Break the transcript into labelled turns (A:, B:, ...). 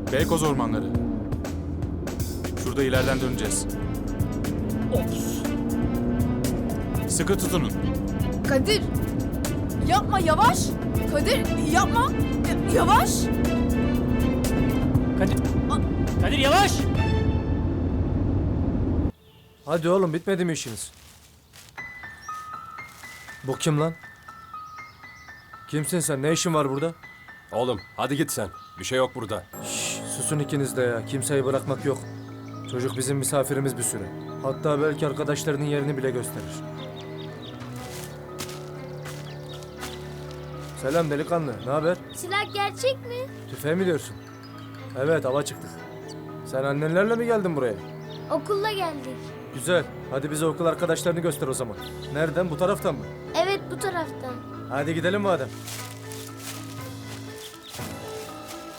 A: Beykoz ormanları. Şurada ileriden döneceğiz. Sıkı tutunun.
B: Kadir! Yapma, yavaş! Kadir, yapma! Yavaş!
C: Kadir. Kadir yavaş.
D: Hadi oğlum, bitmedi mi işiniz? Bu kim lan? Kimsin sen? Ne işin var burada?
E: Oğlum hadi git sen. Bir şey yok burada.
D: Şşş, susun ikiniz de ya. Kimseyi bırakmak yok. Çocuk bizim misafirimiz bir süre. Hatta belki arkadaşlarının yerini bile gösterir. Selam delikanlı. Ne haber?
F: Silah gerçek mi?
D: Tüfeğe mi diyorsun? Evet, hava çıktık. Sen annenlerle mi geldin buraya?
F: Okulla geldik.
D: Güzel. Hadi bize okul arkadaşlarını göster o zaman. Nereden? Bu taraftan mı?
F: Evet, bu taraftan.
D: Hadi gidelim madem.